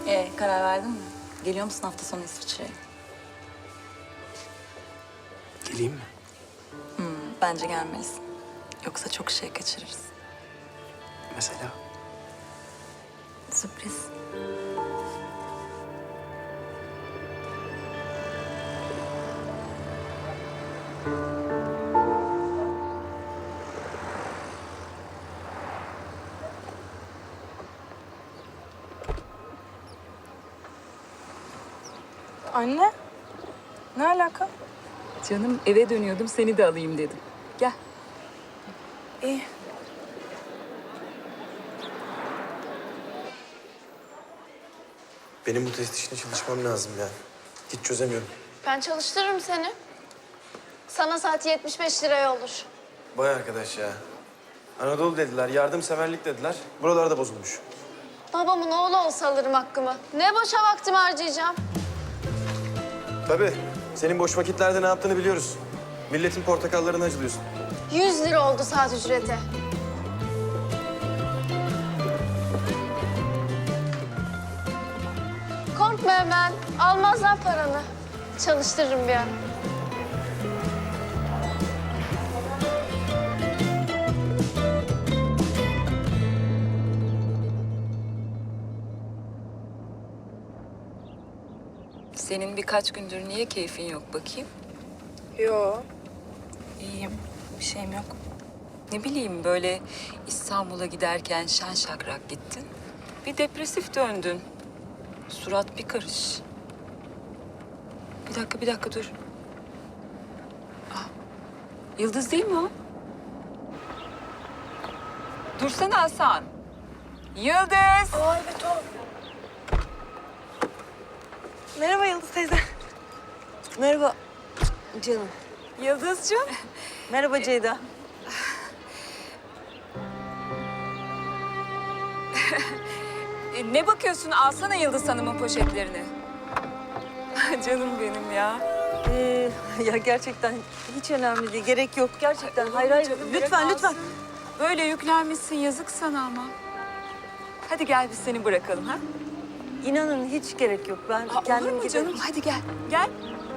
Karar verdin mi? Geliyor musun hafta sonu İsviçre'ye? Geleyim mi? Bence gelmelisin. Yoksa çok şey kaçırırız. Mesela? Sürpriz. Anne, ne alaka? Canım eve dönüyordum seni de alayım dedim. Gel. İyi. Benim bu test işine çalışmam lazım ya. Hiç çözemiyorum. Ben çalıştırırım seni. Sana saati 75 liraya olur. Vay arkadaş ya. Anadolu dediler, yardımseverlik dediler. Buralarda bozulmuş. Babamın oğlu olsa alırım hakkımı. Ne boşa vaktimi harcayacağım. Tabii. Senin boş vakitlerde ne yaptığını biliyoruz. Milletin portakallarını acılıyorsun. 100 lira oldu saat ücreti. Korkma hemen. Almazlar paranı. Çalıştırırım bir an. Senin birkaç gündür niye keyfin yok bakayım? Yo, iyiyim. Bir şeyim yok. Ne bileyim böyle İstanbul'a giderken şen şakrak gittin. Bir depresif döndün. Surat bir karış. Bir dakika dur. Ah, Yıldız değil mi o? Dursana Hasan. Yıldız! Aa evet o. Merhaba Yıldız teyze. Merhaba canım. Yıldızcığım. Merhaba Ceyda. Ne bakıyorsun? Alsana Yıldız Hanım'ın poşetlerini. Canım benim ya. Ya gerçekten hiç önemli değil. Gerek yok gerçekten. Hayır hayır. Canım, Lütfen bırak lütfen. alsın. Böyle yüklenmişsin yazık sana ama. Hadi gel biz seni bırakalım ha. İnanın hiç gerek yok. Ben Aa, kendim olur mu giderim. canım? Hadi gel. Gel.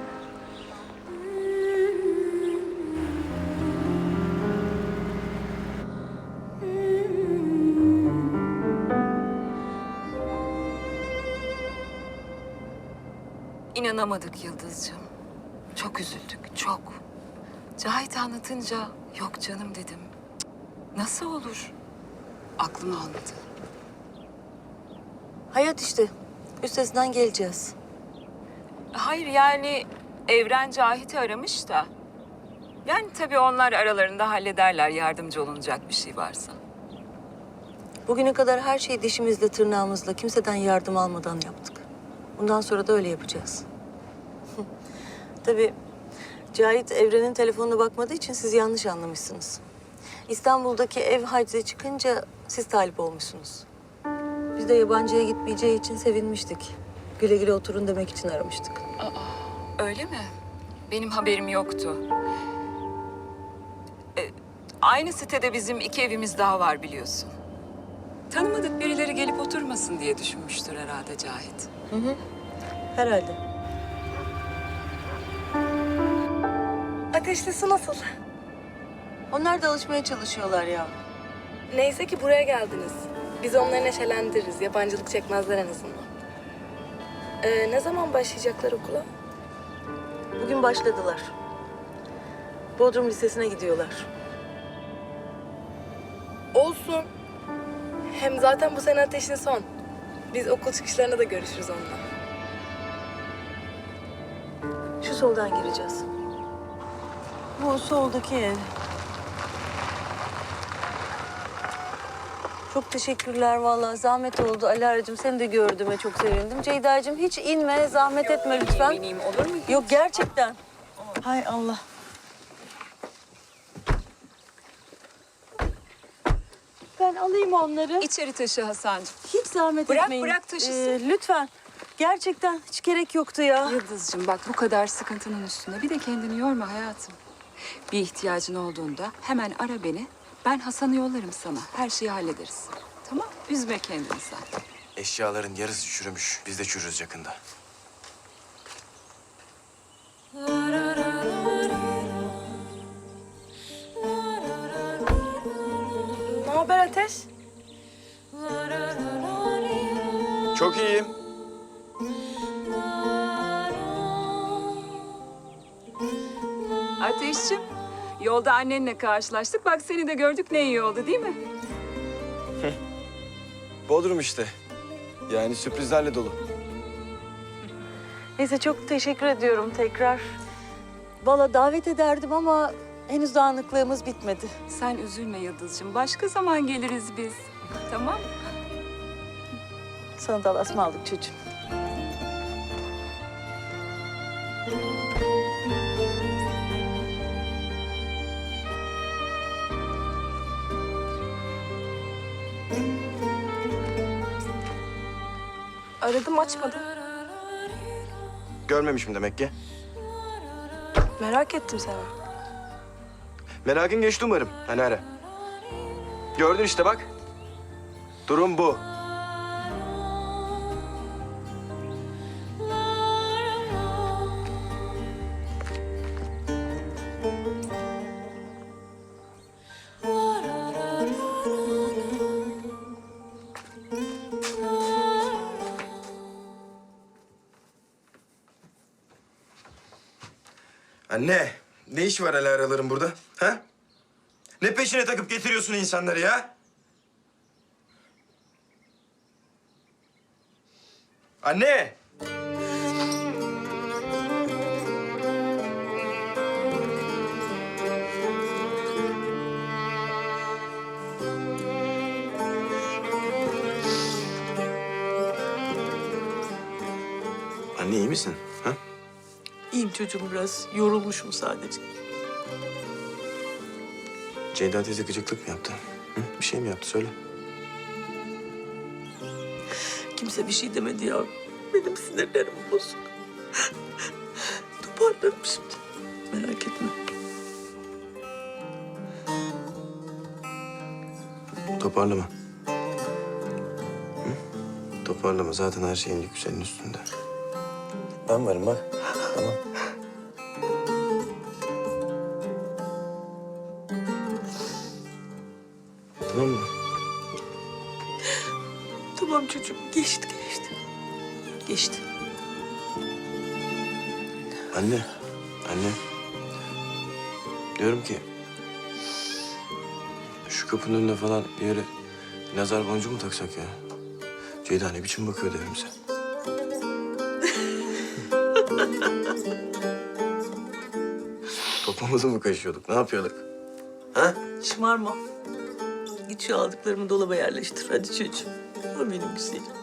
İnanamadık Yıldızcığım. Çok üzüldük, çok. Cahit anlatınca yok canım dedim. Cık, nasıl olur? Aklım almadı. Hayat işte. Üstesinden geleceğiz. Hayır yani Evren Cahit'i aramış da. Yani tabii onlar aralarında hallederler yardımcı olunacak bir şey varsa. Bugüne kadar her şeyi dişimizle tırnağımızla kimseden yardım almadan yaptık. Bundan sonra da öyle yapacağız. Tabii Cahit Evren'in telefonuna bakmadığı için siz yanlış anlamışsınız. İstanbul'daki ev hacize çıkınca siz talip olmuşsunuz. Biz de yabancıya gitmeyeceği için sevinmiştik. Güle güle oturun demek için aramıştık. Öyle mi? Benim haberim yoktu. Aynı sitede bizim 2 evimiz daha var biliyorsun. Tanımadık birileri gelip oturmasın diye düşünmüştür herhalde Cahit. Herhalde. Ateşli su nasıl? Onlar da alışmaya çalışıyorlar ya. Neyse ki buraya geldiniz. Biz onları neşelendiririz. Yabancılık çekmezler en azından. Ne zaman başlayacaklar okula? Bugün başladılar. Bodrum Lisesi'ne gidiyorlar. Olsun. Hem zaten bu sene ateşin son. Biz okul çıkışlarına da görüşürüz onunla. Şu soldan gireceğiz. Bu soldaki ev. Çok teşekkürler vallahi. Zahmet oldu. Alara'cığım seni de gördüğüme çok sevindim. Ceyda'cığım hiç inme, zahmet etme lütfen. Eminim olur mu? Yok gerçekten. Hay Allah. Ben alayım onları. İçeri taşı Hasan'cığım. Hiç zahmet Bırak, etmeyin. bırak taşısın. Lütfen. Gerçekten hiç gerek yoktu ya. Yıldız'cığım bak bu kadar sıkıntının üstüne bir de kendini yorma hayatım. Bir ihtiyacın olduğunda hemen ara beni. Ben Hasan'ı yollarım sana. Her şeyi hallederiz. Tamam? Üzme kendini sen. Eşyaların yarısı çürümüş. Biz de çürürüz yakında. Ne haber Ateş? Çok iyiyim. Ateşciğim, yolda annenle karşılaştık. Bak seni de gördük, ne iyi oldu değil mi? Bodrum işte. Yani sürprizlerle dolu. Neyse çok teşekkür ediyorum tekrar. Valla davet ederdim ama henüz dağınıklığımız bitmedi. Sen üzülme Yıldız'cığım. Başka zaman geliriz biz. Tamam mı? Sana da Allah'a ısmarladık çocuğum. Aradım açmadın. Görmemişim demek ki. Merak ettim seni. Merakın geçti umarım. Hani ara. Gördün işte bak. Durum bu. Anne, ne iş var Alara'ların burada? Ha? Ne peşine takıp getiriyorsun insanları ya? Anne! Anne iyi misin? Ha? İyiyim çocuğum biraz. Yorulmuşum sadece. Ceyda teyze gıcıklık mı yaptı? Hı? Bir şey mi yaptı? Söyle. Kimse bir şey demedi ya. Benim sinirlerim bozuk. Toparlarım şimdi. Merak etme. Toparlama. Hı? Toparlama. Zaten her şeyin yükü senin üstünde. Ben varım bak. Tamam. Tamam mı? Tamam çocuğum. Geçti. Geçti. Anne. Anne. Diyorum ki... Şu kapının önüne falan bir yere nazar boncuğu mu taksak ya? Ceyda ne biçim bakıyor evimize? Toplamızı mı kaşıyorduk? Ne yapıyorduk? Ha? Şımarma. Git şu aldıklarımı dolaba yerleştir. Hadi çocuğum. O benim güzelim.